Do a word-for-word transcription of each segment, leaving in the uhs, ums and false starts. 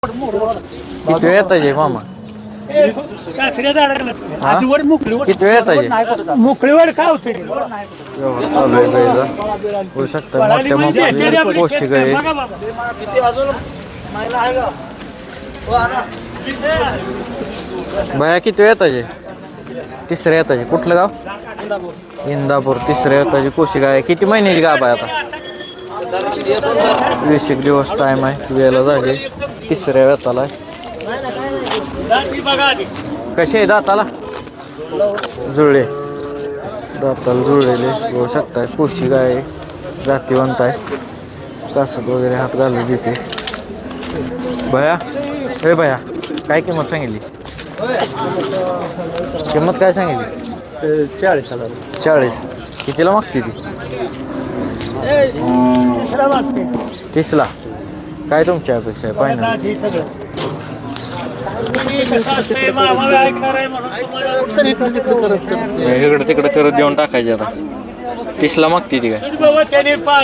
किती वेळ येताय मामा किती वेळ येताय मोकळीवर काय होते चालू आहे गाईचा होऊ शकतं मोठ्या मोठ्या पोशी गाई बाया किती वेळ येताय तिसऱ्या येताय कुठलं गाव इंदापूर तिसऱ्या येताची कोशी गाय किती महिन्याची गाभ आहे आता वीस एक दिवस टाइम आहे वेळेला झाली तिसऱ्या वेताला कसे आहे दाताला जुळले दाताला जुळलेले होऊ शकताय कोशी गाय जातीवंत आहे कासत वगैरे हात घालून देते भया हे भया काय किंमत सांगितली किंमत काय सांगितली चाळीस हजार चाळीस कितीला मागते ती तीसला काय तुमची अपेक्षा आहे फायनल इकडं तिकडं करत देऊन टाकायचे आता तीसला मागते ती काय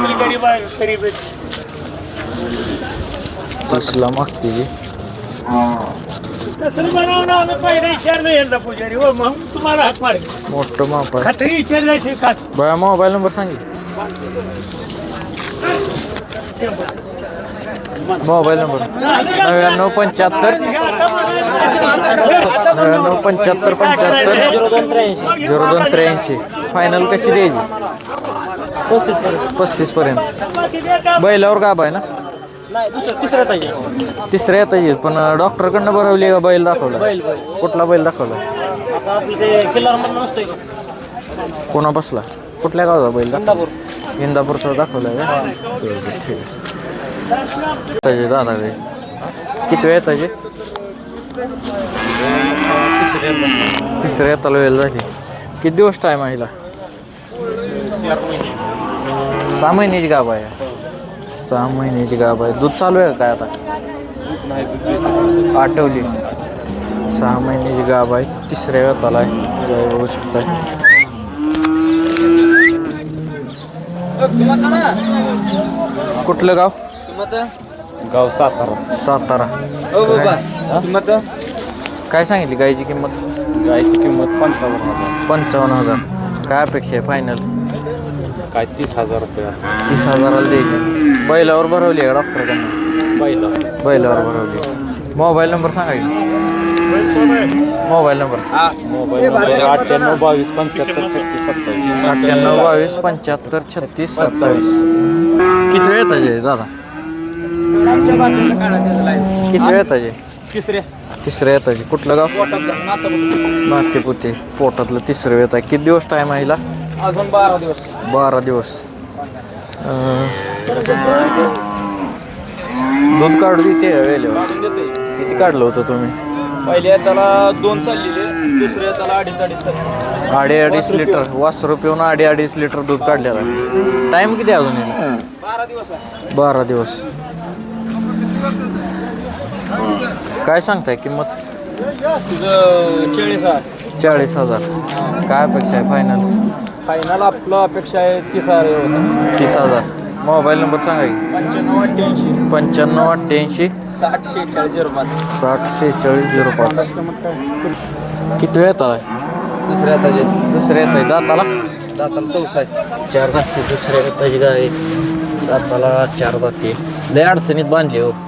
तीसला मागते ती मोठं माप आहे बघा मोबाईल नंबर सांगितलं मोबाईल नंबर नव्याण्णव पंच्याहत्तर नव्याण्णव पंच्याहत्तर पंच्याहत्तर झिरो दोन त्र्याऐंशी झिरो दोन त्र्याऐंशी फायनल कशी द्यायची पस्तीस पर्यंत पस्तीस पर्यंत बैलावर गाभ आहे ना तिसऱ्या येत तिसऱ्या येत येईल पण डॉक्टरकडनं भरवली का बैल दाखवला बैल कुठला बैल दाखवला कोणा बसला कुठल्या गावचा बैल इंदापूर इंदापूरचा दाखवला का ठीक आहे दादा गे किती वेळ येताचे तिसऱ्या येताला वेळ झाली किती दिवस टाईम आहे हिला सहा महिन्याची गाभ आहे सहा महिन्याची गाभ आहे दूध चालू आहे काय आता आठवली सहा महिन्याची गाभ आहे तिसऱ्या वेताला आहे गाय बघू शकताय कुठलं गाव गाव सातारा सातारा किंमत काय सांगितली गायची किंमत गायची किंमत पंचावन्न हजार पंचावन्न हजार काय अपेक्षा आहे फायनल काय तीस हजार रुपये तीस हजाराला द्यायची बैलावर भरवली आहे डॉक्टरकडनं पहिला बैलावर भरवली मोबाईल नंबर सांगा की मोबाईल नंबर मोबाईल नंबर अठ्ठ्याण्णव बावीस पंच्याहत्तर छत्तीस सत्तावीस अठ्ठ्याण्णव बावीस पंच्याहत्तर छत्तीस सत्तावीस किती वेळ येताचे दादा किती वेळ येताचे तिसऱ्या तिसऱ्या येताचे कुठलं गाव नातेपुते पोटातलं तिसरं येत आहे किती दिवस टाईम आहे हिला अजून बारा दिवस बारा दिवस दूध काढू देते वेळेवर किती काढलं होतं तुम्ही पहिल्या त्याला दोन चाललेले दुसऱ्या त्याला अडीच अडीच चालले अडीच अडीच लिटर वासरू पिऊन अडीच अडीच लिटर दूध काढलेलं आहे टाईम किती अजून येईल बारा दिवस आहे बारा दिवस काय सांगताय किंमत तुझं चाळीस हजार चाळीस हजार काय अपेक्षा आहे फायनल फायनल आपलं अपेक्षा आहे तीस हजार होतं तीस हजार मोबाईल नंबर सांगा की पंच्याण्णव अठ्ठ्याऐंशी पंच्याण्णव अठ्ठ्याऐंशी साठ शेहेचाळीस झिरो पाच साठ शेहेचाळीस झिरो पाच किती वेळ येतात आहे दुसऱ्या त्याचे दुसऱ्या येत आहे दाताला दाताला चौसा आहे चार दाते दुसऱ्या येताची गाय दाताला चार दाते लय अडचणीत बांधली हो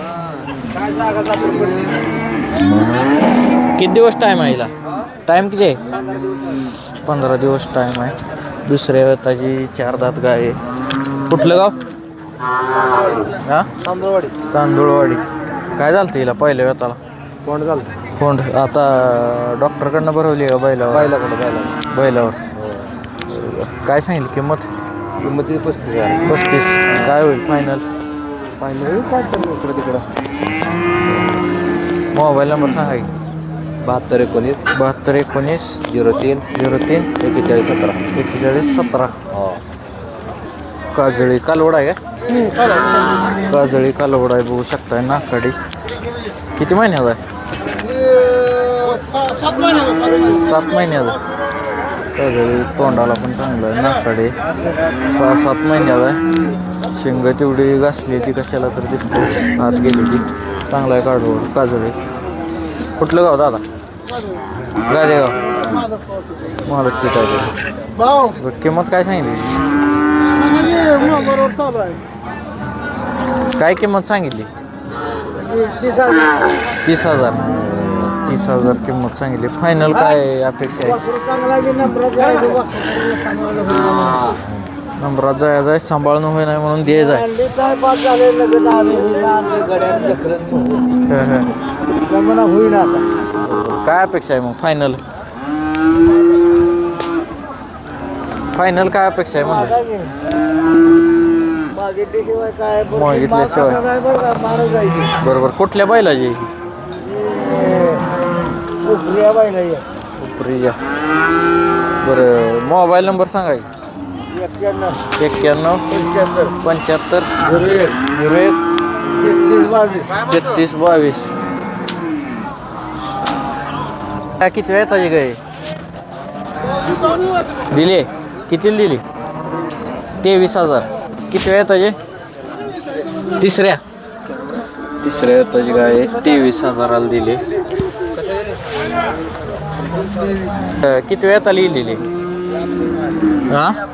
किती दिवस टाईम आहे हिला टाईम किती आहे पंधरा दिवस टाईम आहे दुसऱ्या वेताची चार दात गाय आहे कुठलं गाव हां तांदूळवाडी तांदूळवाडी काय झालं हिला पहिल्या वेताला कोण झालं कोंड आता डॉक्टरकडनं भरवली का बैलावर बैलाकडे बैला बैलावर काय सांगितलं किंमत किंमत पस्तीस हजार पस्तीस काय होईल फायनल फायनल काय करतो इकडं तिकडं मोबाईल नंबर सांगा की बहात्तर एकोणीस बहात्तर एकोणीस झिरो तीन झिरो तीन एक्केचाळीस सतरा एक्केचाळीस सतरा हो काजळी कालवड आहे का काजळी कालवड आहे बघू शकताय नाकाडी किती महिन्यात आहे सात महिन्यात काजळी तोंडाला पण चांगलं आहे नाकाडी सहा सात महिन्यात आहे शेंग तेवढी घासली ती कशाला तर दिसते हात गेली ती चांगला आहे काढू काजळी. कुठलं गाव दादा? गादेगाव. मालक तिथं आहे. बरं, किंमत काय सांगितली? काय किंमत सांगितली? तीस हजार तीस हजार किंमत सांगितली. फायनल काय अपेक्षा आहे? नंबरात जायचं आहे, सांभाळणं होई नाही म्हणून द्यायचं आहे. काय अपेक्षा आहे मग फायनल? फायनल काय अपेक्षा आहे म्हणलं? मागितल्याशिवाय. बरोबर. कुठल्या बैलाची? उपरीच्या. बरं, मोबाईल नंबर सांगा की. एक्क्याण्णव पंच्याहत्तर झिरो एक तेहतीस बावीस. काय किती वेळ येताचे गाय दिले? कितीला दिली? तेवीस हजार. किती वेळ येताचे? तिसऱ्या तिसऱ्या येताची गाय तेवीस हजाराला दिली. किती वेळ येताला येईल दिली? हां